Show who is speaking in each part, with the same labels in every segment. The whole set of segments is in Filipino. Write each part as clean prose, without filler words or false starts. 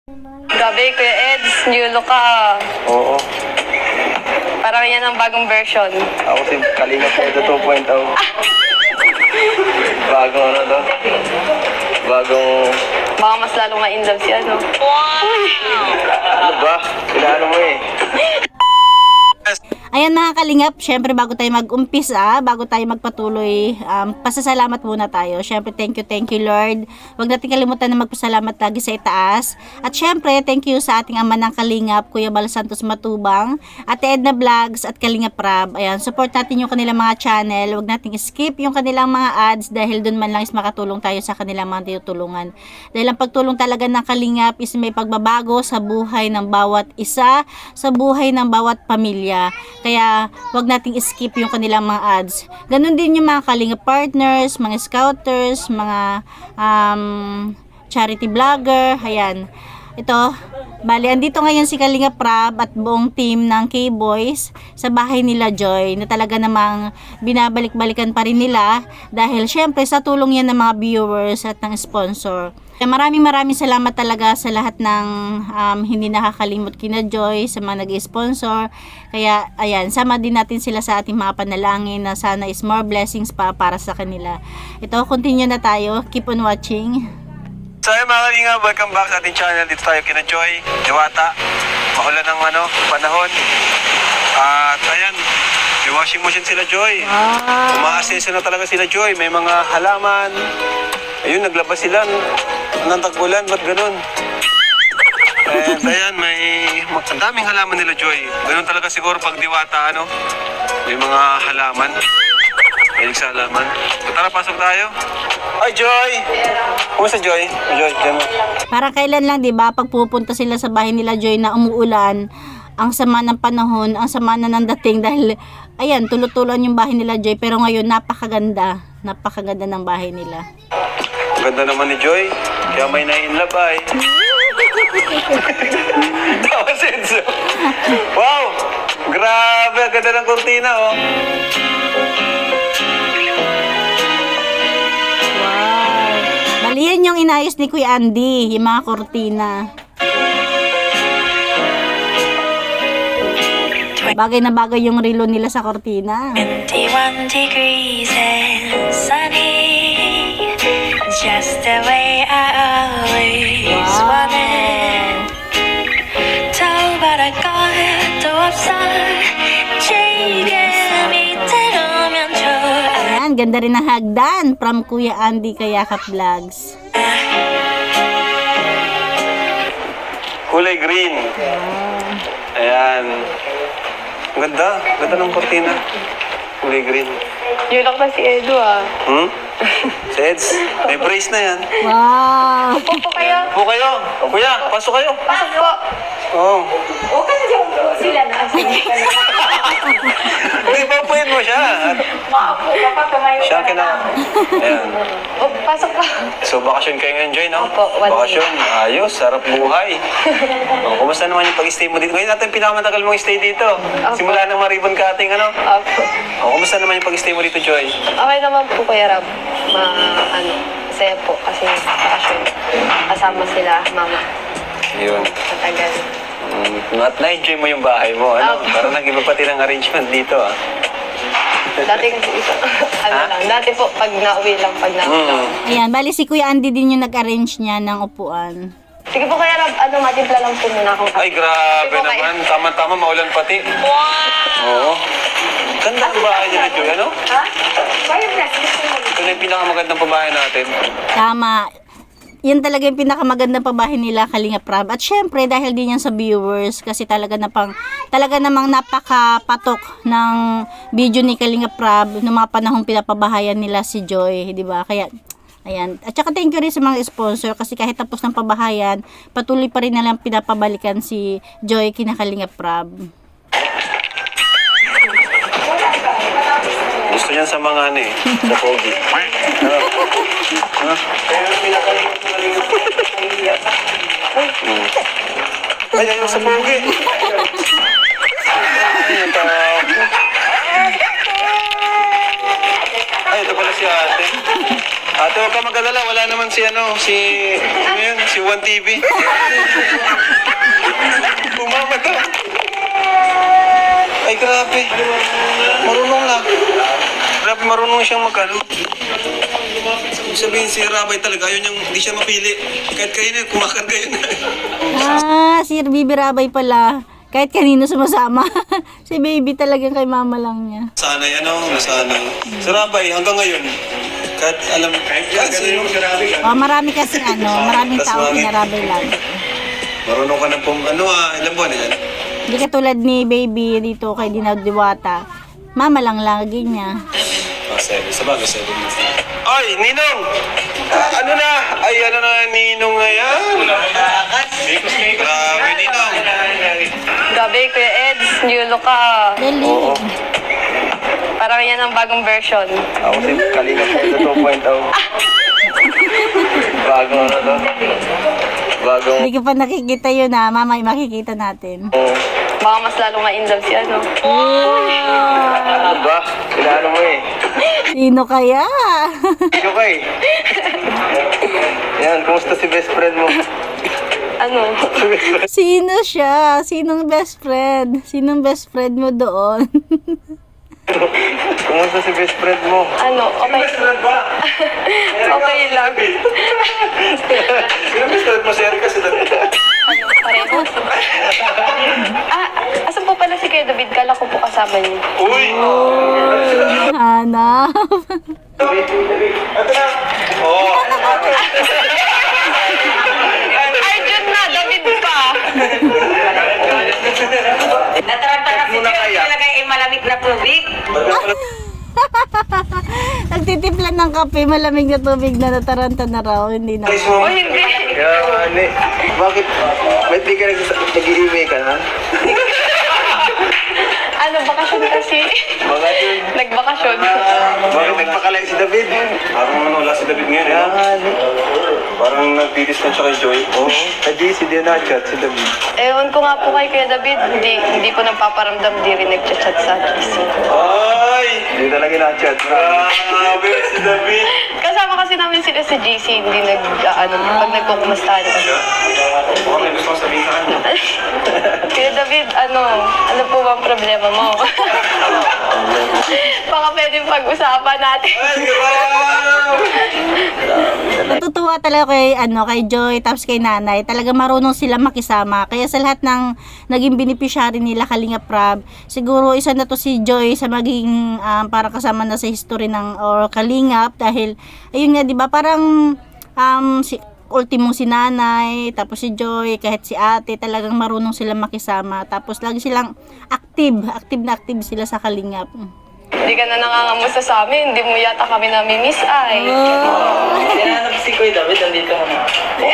Speaker 1: Grabe, Kuya Eds, new look ka.
Speaker 2: Oo.
Speaker 1: Parang yan ang bagong version.
Speaker 2: Ako si Kalinga Pedro 2.0. Bagong ano to? Bagong...
Speaker 1: Baka mas lalong ma-in love si ano.
Speaker 2: Ano ba? Kailangan mo eh.
Speaker 3: Ayan mga kalingap, syempre bago tayo mag-umpisa, bago tayo magpatuloy, pasasalamat muna tayo. Syempre thank you Lord. Huwag natin kalimutan na magpasalamat lagi sa itaas. At syempre thank you sa ating ama ng kalingap, Kuya Bal Santos Matubang, Ate Edna Vlogs at Kalingap Rab. Ayan, support natin yung kanilang mga channel. Huwag nating skip yung kanilang mga ads dahil dun man lang is makatulong tayo sa kanilang mga tinutulungan. Dahil ang pagtulong talaga ng kalingap is may pagbabago sa buhay ng bawat isa, sa buhay ng bawat pamilya. Kaya, wag nating skip yung kanilang mga ads. Ganon din yung mga kalingap partners, mga scouters, mga charity vlogger. Ayan. Ito, bali, andito ngayon si Kalingap Rab at buong team ng K-Boys sa bahay nila Joy na talaga namang binabalik-balikan pa rin nila dahil syempre sa tulong yan ng mga viewers at ng sponsor. Kaya maraming salamat talaga sa lahat ng hindi nakakalimot kina Joy, sa mga nag-sponsor. Kaya ayan, sama din natin sila sa ating mga panalangin na sana is more blessings pa para sa kanila. Ito, continue na tayo. Keep on watching.
Speaker 2: So ayun mga Kalinga, welcome back sa ating channel. Dito tayo kina Joy, Diwata. Maulan ng panahon. At ayan, may washing machine sila Joy. Umaasenso na talaga sila Joy. May mga halaman. Ayun, naglabas sila ng tagbulan. Ba't ganun? And ayan, ang daming halaman nila Joy. Ganun talaga siguro pag Diwata, may mga halaman. Hilig sa halaman. So, tara, pasok tayo. Ay, Joy! Kumusta, Joy? Joy, diyan mo.
Speaker 3: Para kailan lang, 'di ba, pag pupunta sila sa bahay nila Joy na umuulan, ang sama ng panahon, ang sama na ng dating dahil ayan, tulo-tuloan yung bahay nila Joy, pero ngayon napakaganda ng bahay nila.
Speaker 2: Ganda naman ni Joy. Kaya may na-inlove ay. Tawa senso. Wow! Grabe, ang ganda ng kurtina, oh.
Speaker 3: Wow! Bali yan yung inayos ni Kuya Andy, yung mga kortina. Bagay na bagay yung relo nila sa kortina.
Speaker 4: 21 degrees and sunny, just the way I always wanted. 저바랄 것도 없어, 지금 이대로면 좋아.
Speaker 3: Ayan, ganda rin ng hagdan from Kuya Andy Kayakap Vlogs.
Speaker 2: Kulay green. Ayan. Ang ganda. Ganda ng kurtina. Kulay green.
Speaker 1: New look na si Edu ah.
Speaker 2: Seds, may brace na yan.
Speaker 3: Wow!
Speaker 1: Upo po kayo.
Speaker 2: Upo kayo. Kuya, pasok kayo.
Speaker 1: Pasok po.
Speaker 2: Oo.
Speaker 1: O kasi sila na.
Speaker 2: Hindi, papuyin mo siya.
Speaker 1: Maapo ka pa, tumayo
Speaker 2: Siya ang Ayan.
Speaker 1: O, pasok pa.
Speaker 2: So, bakasyon kayo ngayon, Joy, no?
Speaker 1: Opo, 1
Speaker 2: Bakasyon. Ayos, sarap buhay. Kumusta naman yung pag-stay mo dito? Ngayon natin pinakamatagal mong stay dito. Simula ng ribbon cutting,
Speaker 1: Opo.
Speaker 2: Kumusta naman yung pag-stay mo dito, Joy?
Speaker 1: Okay naman po, Kuya Rab. Masaya po kasi bakasyon. Kasama sila, mama.
Speaker 2: Yun.
Speaker 1: Matagal.
Speaker 2: At na-enjoy mo yung bahay mo, Parang nag-iba pati ng arrangement dito,
Speaker 1: Dati kasi dati po, pag nauwi lang,
Speaker 3: Ayan, bali si Kuya Andy din yung nag-arrange niya ng upuan.
Speaker 1: Sige po, Kuya Rab, matimpla lang po muna akong
Speaker 2: Ay, grabe
Speaker 1: Sige po,
Speaker 2: naman. Tama-tama, maulan pati. Wow! Oo. Ganda ang bahay nila, Joy,
Speaker 1: Ha? Fireplace.
Speaker 2: Ito na yung pinakamagandang pabahay natin.
Speaker 3: Tama. Yan talaga yung pinakamagandang pabahay nila, Kalingap Rab. At syempre, dahil din yan sa viewers, kasi talaga namang napakapatok ng video ni Kalingap Rab noong mga panahong pinapabahayan nila si Joy, di ba? Kaya, ayan. At saka thank you rin sa mga sponsor kasi kahit tapos ng pabahayan, patuloy pa rin nalang pinapabalikan si Joy kina Kalingap Rab.
Speaker 2: Gusto niyan sa mga sa pogi. Ay, ayaw sa pogi. Ay, ito pala si ate. Ate, huwag ka mag-alala. Wala naman si Juan TV. grabe. Marunong na. Grabe, marunong siyang magano. Ibig sabihin si Rabay talaga, yun yung hindi siya mapili. Kahit kayo na, kumakarga yun.
Speaker 3: Si Bibi Rabay pala. Kahit kanino sumasama. Si baby talagang kay mama lang niya.
Speaker 2: Nasanay, nasanay. Si Rabay, hanggang ngayon, kahit alam, kahit sino.
Speaker 3: Marami kasi maraming
Speaker 2: Tas
Speaker 3: tao
Speaker 2: bakit?
Speaker 3: pinarabay lagi.
Speaker 2: Marunong ka na ilang buwan na yan?
Speaker 3: Hindi katulad ni baby dito kay Diwata. Mama lang lagi niya.
Speaker 2: 7. Sabagay, 7 months na. Ay, Ninong! Ano na? Ay, ano na, Ninong na yan? Grabe, Ninong.
Speaker 1: Grabe, Kuya Eds, new look ka.
Speaker 3: Dali.
Speaker 1: Parang yan ang bagong version.
Speaker 2: Ako si Kalinga Pwede 2.0. Bagong ano to? Bagong...
Speaker 3: Hindi ko pa nakikita yun mamay makikita natin.
Speaker 1: Baka mas lalo ma-inlove si ano.
Speaker 2: Ano ba? Kailangan mo eh.
Speaker 3: Sino kaya?
Speaker 2: Sino ka eh? Yan, kumusta si best friend mo?
Speaker 1: Ano?
Speaker 3: Sino siya? Sinong best friend? Sinong best friend mo doon?
Speaker 2: Kumusta si best friend mo?
Speaker 1: Ano? Okay. Okay lang.
Speaker 2: Sino best friend mo? Si Erica sila.
Speaker 1: Ano? Pareho. Asan po pala si Kuya David? Kala ko po kasama niyo.
Speaker 2: Uy!
Speaker 3: Hanap.
Speaker 2: Ito na! Oo!
Speaker 1: Arjun na! David pa!
Speaker 5: Nataranta kasi siya talaga yung malamig na tubig.
Speaker 3: Nagtitimplan ng kape, malamig na tubig na nataranta na raw. Hindi na.
Speaker 1: O hindi.
Speaker 2: Kaya, bakit? Ba't di ka nag-i-email ka na?
Speaker 1: Ano, bakasyon kasi.
Speaker 2: Bakasyon?
Speaker 1: Nagbakasyon.
Speaker 2: Bakit nagpakalay si David? Parang wala si David ngayon. Parang nag-distance siya kay Joy. Oo. Di na-chat si David.
Speaker 1: Ewan ko nga po kay Kuya David. Hindi po nagpaparamdam. Di rin nagchat-chat sa GC.
Speaker 2: Ay! Hindi talaga na-chat. Grabe si David.
Speaker 1: Kasama kasi namin sila sa GC. Hindi pag nagkukumustahan kami.
Speaker 2: Baka may gusto ko sabihin sa kanya.
Speaker 1: Kuya David, ano po ba ang problema mo? Baka pwedeng pag-usapan natin.
Speaker 2: Ay, grabe!
Speaker 3: Natutuwa talaga kay Joy tapos kay Nanay. Talaga marunong sila makisama. Kaya sa lahat ng naging beneficiary nila Kalingap Rab, siguro isa na to si Joy sa maging parang kasama na sa history ng Kalingap dahil ayun nga 'di ba parang si ultimo si Nanay, tapos si Joy, kahit si Ate, talagang marunong sila makisama. Tapos lagi silang active sila sa Kalingap.
Speaker 1: Hindi ka na nangangamusta sa amin. Hindi mo yata kami nami-miss ay.
Speaker 5: Tinanap si Kuya David, nandito ka na.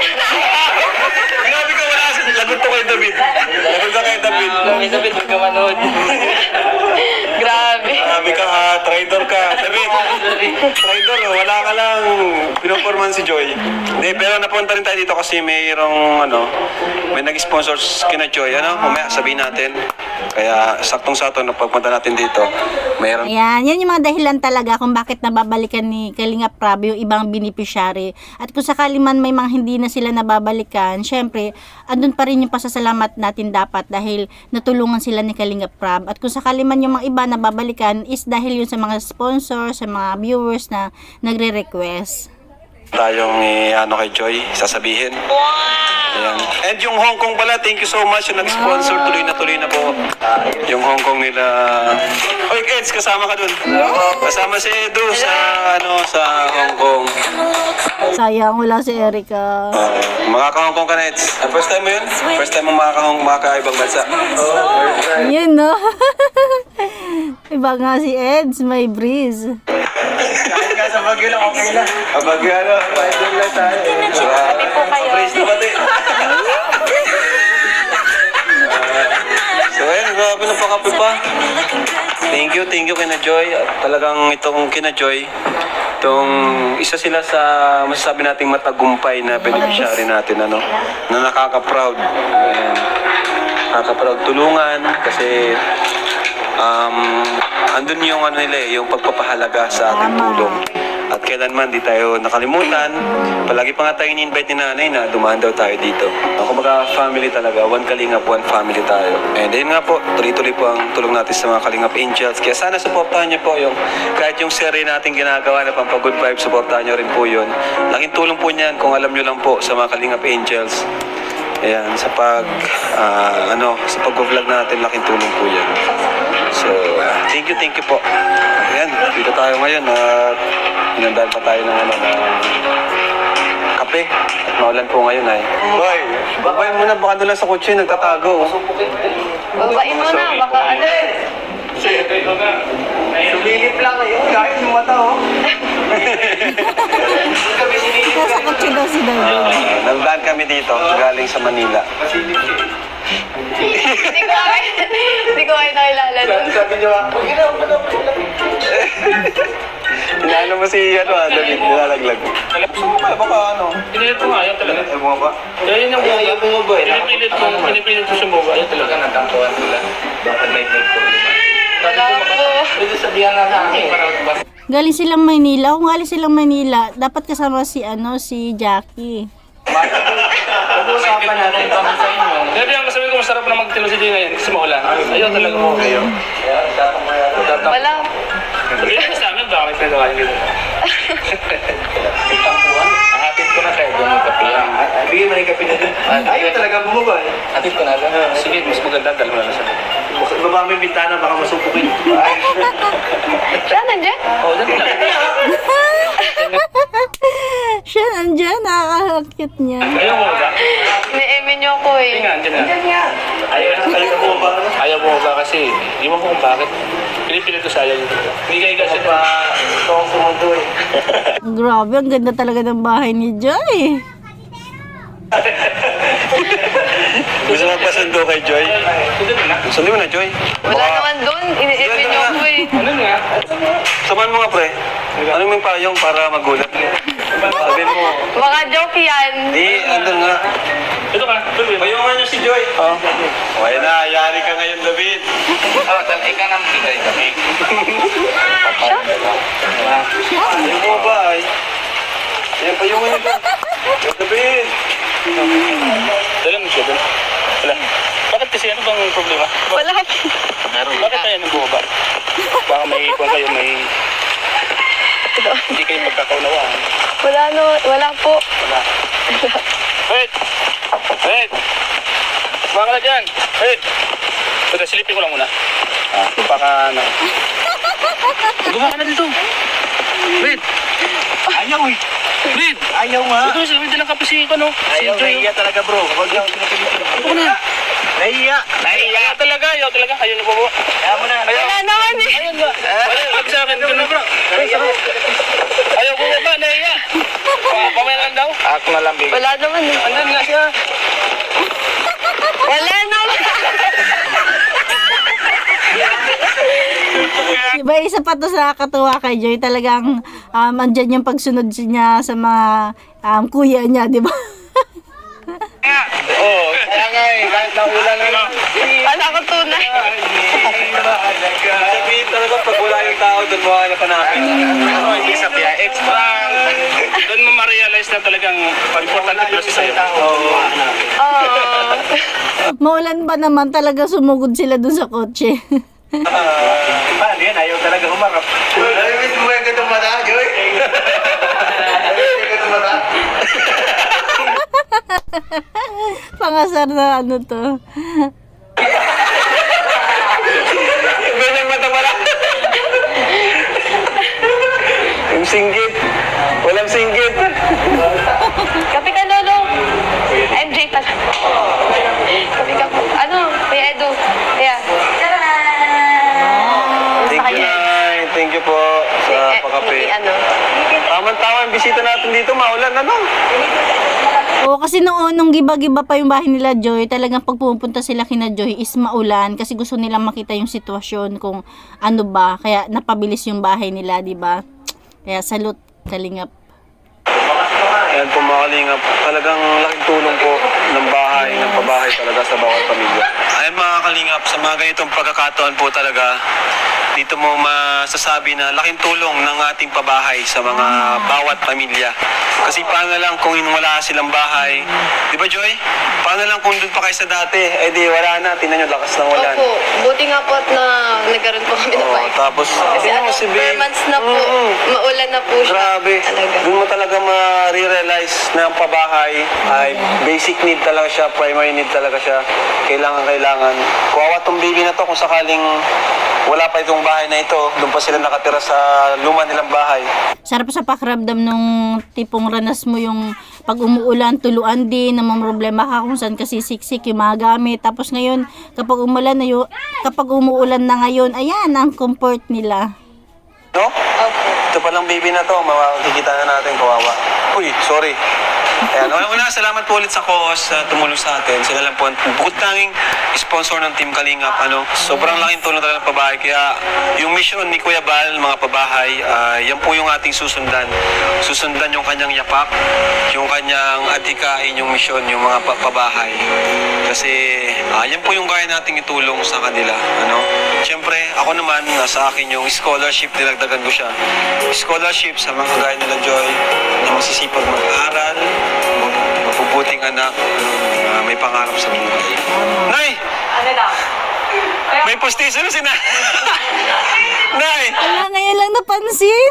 Speaker 2: Grabe ka, wala kasi. Lagot ko kay David. Lagot ka kay David.
Speaker 5: Kuya David, huwag ka manood.
Speaker 1: Grabe.
Speaker 2: Grabe ka ha, traitor ka. David, traitor, wala ka lang. Pinoporman si Joy. Hindi, pero napunta rin tayo dito kasi mayroong, may nag-sponsor kina Joy. Mamaya sabihin natin. Kaya saktong-sakto na pagpunta natin dito, mayroon.
Speaker 3: Ayan, yan yung mga dahilan talaga kung bakit nababalikan ni Kalingap Rab yung ibang beneficiary. At kung sakali man may mga hindi na sila nababalikan, syempre, andun pa rin yung pasasalamat natin dapat dahil natulungan sila ni Kalingap Rab. At kung sakali man yung mga iba nababalikan is dahil yun sa mga sponsors, sa mga viewers na nagre-request.
Speaker 2: Tayong kay Joy, sasabihin. Ayan. And yung Hong Kong pala, thank you so much yung nag-sponsor. Tuloy na po. Yung Hong Kong nila. Oy, Eds, kasama ka dun. Kasama si Edu sa Hong Kong.
Speaker 3: Sayang, wala si Erica.
Speaker 2: Makaka-Hong Kong ka na, Eds. First time mo yun? First time mo makaka-ibang bansa?
Speaker 3: Yun, no? Iba nga si Eds, may breeze.
Speaker 2: Kahit ka sa Baguio lang, okay lang. Sa Baguio, doon lang tayo.
Speaker 1: Happy po kayo.
Speaker 2: Praise na pati. So ayun, grabe na pakape pa. Thank you kina Joy. Talagang itong kina Joy, isa sila sa masasabi nating matagumpay na beneficiary natin, na nakaka-proud. Ayan. Nakaka-proud tulungan kasi andun yung yung pagpapahalaga sa ating tulong. At kailanman di tayo nakalimutan. Palagi pa nga tayo ni-invite ni nanay na dumaan daw tayo dito. Kumbaga family talaga, one Kalingap, one family tayo. And ayun nga po, tuloy-tuloy po ang tulong natin sa mga Kalingap Angels. Kaya sana supportahan niyo po yung kahit yung series natin ginagawa na Pampagood Vibes, supportahan niyo rin po yun. Laking tulong po niyan kung alam niyo lang po sa mga Kalingap Angels. Ayan, sa sa pag-vlog natin, laking tulong po yan. So, thank you po. Ayan, dito tayo ngayon at hinandaan pa tayo ng kape. At maulan po ngayon ay. Boy, babayin mo na, baka doon lang sa kotse, nagtatago.
Speaker 1: Babain mo na, baka ano.
Speaker 2: Sumilip lang ngayon, kahit yung mata, oh.
Speaker 3: Nasa kotse daw si Darwin.
Speaker 2: Nandaan kami dito, galing sa Manila.
Speaker 1: Hindi ko kayo nakilala doon.
Speaker 2: Sabi niyo, inaano mo si David, nilalaglag. Bumaba, baka
Speaker 6: Pinilit ko nga, ayaw talaga.
Speaker 2: Ay, bumaba.
Speaker 6: Ayun yung ayaw bumaba eh. Pinipilit ko sumuba, ayaw talaga. Natampuan sila. Bakit may problema?
Speaker 1: Wala po.
Speaker 6: Pwede sabihan na sa akin para magbasa.
Speaker 3: Galing silang Maynila. Kung galing silang Maynila, dapat kasama si Jackie.
Speaker 6: Pag-uusapan natin kami sa inyo. Sabi ang sabi ko, masarap na magtilo si Dina yan kasi maulan. Ayaw talaga mo. Ayaw.
Speaker 1: Wala.
Speaker 6: Sabi ko sa amin, baka may pinagawa yung gano'n. Tampuan? Hatid ko na kayo doon yung kape.
Speaker 2: Bigyan mo na yung kape na dun. Ayaw talaga bumaba eh.
Speaker 6: Hatid ko na lang. Sige, mas maganda. Dalawa na lang sa akin.
Speaker 2: Baba mo yung bintana, baka masupukin.
Speaker 1: Siya, nandiyan?
Speaker 6: Oo, dyan na.
Speaker 3: Siya nandyan, nakakakit niya.
Speaker 6: Ayaw mo ba?
Speaker 1: Ni-eme niyo ako eh.
Speaker 6: Hindi nga, andyan na. Ayaw mo ba? Ayaw mo ba kasi, di mo kung bakit. Pinipilit ko sa ayaw yun. Hindi kayo kasi pa ito ang sumundo eh.
Speaker 3: Grabe, ang ganda talaga ng bahay ni Joy.
Speaker 2: Gusto mo pasundo kay Joy?
Speaker 6: Sundo na.
Speaker 2: Sundo mo na, Joy.
Speaker 1: Wala naman doon. Ini-eme niyo ako eh.
Speaker 6: Ano nga?
Speaker 2: Samahan mo nga, pre. Ano mo yung payong para magulat? Sabihin mo.
Speaker 1: Mga joke yan.
Speaker 2: Andun nga.
Speaker 6: Ito ka, tuloy.
Speaker 2: Payungan niyo si Joy. Oo. Okay na, yari ka ngayon, David.
Speaker 6: Oo, ika nang bigay kami.
Speaker 2: Ayaw mo ba ay? Ayan, payungan niyo doon. David.
Speaker 6: Dala mo siya doon. Wala. Bakit kasi ano bang problema?
Speaker 1: Wala po.
Speaker 6: Bakit tayo nang bumaba? Baka kung kayo may hindi kayo pagkakaunawaan.
Speaker 1: Wala po.
Speaker 6: Wala. Wait! Wait! Baka na dyan! Wait! Teka, silipin ko lang muna. Baka ano. Gumawa ka na dito. Wait!
Speaker 2: Ayaw eh.
Speaker 6: Wait!
Speaker 2: Ayaw nga.
Speaker 6: Ito, sabi din ang kape si ano.
Speaker 2: Ayaw, nahiya talaga bro. Huwag yung pinapilitin.
Speaker 6: Ito ko na.
Speaker 2: Nahiya.
Speaker 6: Ayaw talaga. Ayaw na babo.
Speaker 2: Ayaw mo na.
Speaker 1: Wala naman eh.
Speaker 6: Ayun nga. Wala, sabi sa akin. Ganun bro. Ayaw ko ba? Nahiya. Pamayalan daw. Ako na lang bigay.
Speaker 1: Wala naman eh.
Speaker 6: Andun nga siya.
Speaker 1: Wala naman.
Speaker 3: Diba, isa pa to sa nakakatuwa kay Joy. Talagang andyan yung pagsunod niya sa mga kuya niya, di ba?
Speaker 6: Oo. Kaya nga eh. Kahit na ulan na lang.
Speaker 1: Wala ko tunay.
Speaker 2: Sabihin talaga pag wala yung tao doon mo na panapin.
Speaker 6: Ano, hindi sabihan. Extra. Doon mo ma-realize na talagang importante pala sa sa'yo.
Speaker 1: Oo.
Speaker 3: Maulan ba naman, talaga sumugod sila dun sa kotse.
Speaker 2: Paano yan? Ayaw talaga humarap. Ayaw mo yung gatong mata, Joy. Ayaw yung gatong mata.
Speaker 3: Pangasar na ano to.
Speaker 2: Ganyang mata pala. Yung singgit. Walang singgit.
Speaker 1: Kape ka, Lolo. MJ pala. Kape ka po. Ano? Kuya Edu. Kaya.
Speaker 2: Thank you, Nay. Thank you po sa pakape.
Speaker 1: Ano?
Speaker 2: Tama-tama ang bisita natin dito. Maulan, ano?
Speaker 3: Oo, kasi nung giba-giba pa yung bahay nila Joy, talagang pag pumunta sila kina Joy is maulan kasi gusto nilang makita yung sitwasyon kung ano ba, kaya napabilis yung bahay nila, di ba? Kaya salute, Kalingap.
Speaker 2: Ayan po mga Kalingap, talagang laking tulong po ng bahay, ng pabahay talaga sa bawat pamilya. Ayan mga Kalingap, Kalingap, sa mga ganitong pagkakataon po talaga, dito mo masasabi na laking tulong ng ating pabahay sa mga bawat pamilya. Kasi paano lang kung wala silang bahay, di ba Joy? Paano lang kung doon pa kayo sa dati, eh di wala na, tingnan nyo lakas ng ulan.
Speaker 1: Opo, buti nga po at na nagkaroon po kami ng
Speaker 2: Oo,
Speaker 1: bahay.
Speaker 2: tapos,
Speaker 1: Kasi
Speaker 2: tingnan mo
Speaker 1: ano,
Speaker 2: si
Speaker 1: 4
Speaker 2: Babe.
Speaker 1: months na po, maulan na po siya.
Speaker 2: Grabe.
Speaker 1: Talaga.
Speaker 2: Doon mo talaga ma-realize na ang pabahay ay basic need talaga siya, primary need talaga siya. Kailangan. Kuwawa tong baby na to kung sakaling wala pa itong bahay na ito, doon pa sila nakatira sa luma nilang bahay.
Speaker 3: Sarap sa pakiramdam nung tipong ranas mo yung pag umuulan, tuluan din, na mga problema ka kung saan kasi siksik yung mga gamit. Tapos ngayon, kapag umuulan na ngayon, ayan, ang comfort nila.
Speaker 2: No? Ito palang baby na to, makikita na natin, kawawa. Uy, sorry. Ayan, una, salamat po ulit sa COOS sa tumulong sa atin. Sila lang po, bukod tanging sponsor ng Team Kalingap, sobrang laking tulong talaga ng pabahay. Kaya yung mission ni Kuya Bal, mga pabahay, yan po yung ating susundan. Susundan yung kanyang yapak, yung kanyang adhikain, yung mission, yung mga pabahay. Kasi yan po yung kaya nating itulong sa kanila. Siyempre, ako naman, nasa akin yung scholarship, nilagdagan ko siya. Scholarship sa mga kagaya nila Joy, na masisipag mag-aral, mapubuting anak, may pangarap sa buhay. Nay!
Speaker 5: Ano daw?
Speaker 2: May postiso na si Nay! Nay!
Speaker 3: Wala, ngayon lang napansin.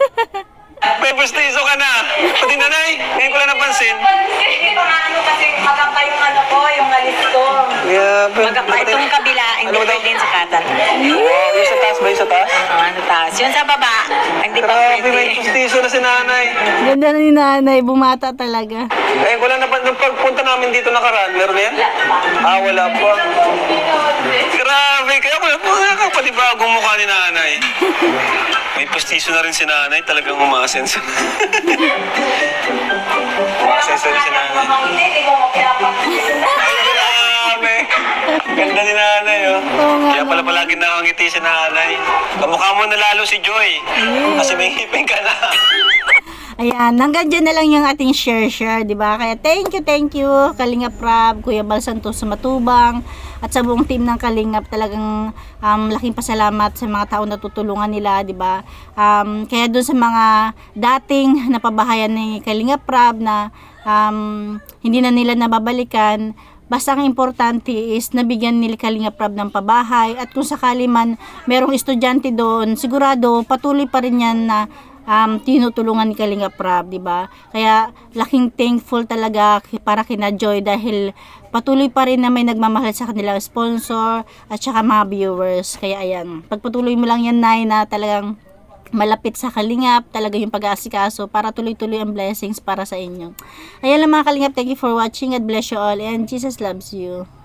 Speaker 2: May postiso ka na! Pati na, Nay! Ngayon ko lang napansin.
Speaker 5: Hindi pa nga ano kasi magapa yung ano ko, yung alis ko. Magapa itong kabila, hindi
Speaker 2: Ano daw?
Speaker 5: pwede sa katan.
Speaker 2: Wow, yung sa taas ba? Yung sa taas?
Speaker 5: Ano taas? Yun sa baba, hindi pa
Speaker 2: Grabe, may
Speaker 5: pwede.
Speaker 2: postiso na si Nanay.
Speaker 3: Ganda na ni nanay, bumata talaga.
Speaker 2: Ngayon ko lang napansin. Nung pagpunta namin dito nakaraan, meron na yan? Wala pa. Grabe, kaya nakakapalibagong mukha ni Nanay. May postiso na rin si Nanay, talagang umaasenso. Umaasenso rin si Nanay.
Speaker 5: Hindi mo mapiapasin.
Speaker 2: Ay, grabe. Ganda ni Nanay, oh.
Speaker 3: Oo nga,
Speaker 2: Kaya pala palagi nakangiti si Nanay. Kamukha mo na lalo si Joy. Kasi may ngipin ka na.
Speaker 3: Ayan, hanggang dyan na lang yung ating share, di ba? Kaya thank you, Kalingap Rab, Kuya Bal Santos sa Matubang, at sa buong team ng Kalingap. Talagang laking pasalamat sa mga tao na tutulungan nila, di ba? Kaya doon sa mga dating napabahayan ni Kalingap Rab na hindi na nila nababalikan, basta ang importante is nabigyan nila Kalingap Rab ng pabahay, at kung sakali man merong estudyante doon, sigurado patuloy pa rin yan na tinutulungan ni Kalingap Rab, di ba? Kaya laking thankful talaga para kina Joy dahil patuloy pa rin na may nagmamahal sa kanilang sponsor at saka mga viewers. Kaya ayan, pagpatuloy mo lang yan, Nay, na talagang malapit sa Kalingap, talaga yung pag-aasikaso para tuloy-tuloy ang blessings para sa inyo. Ayan lang mga Kalingap, thank you for watching. God bless you all and Jesus loves you.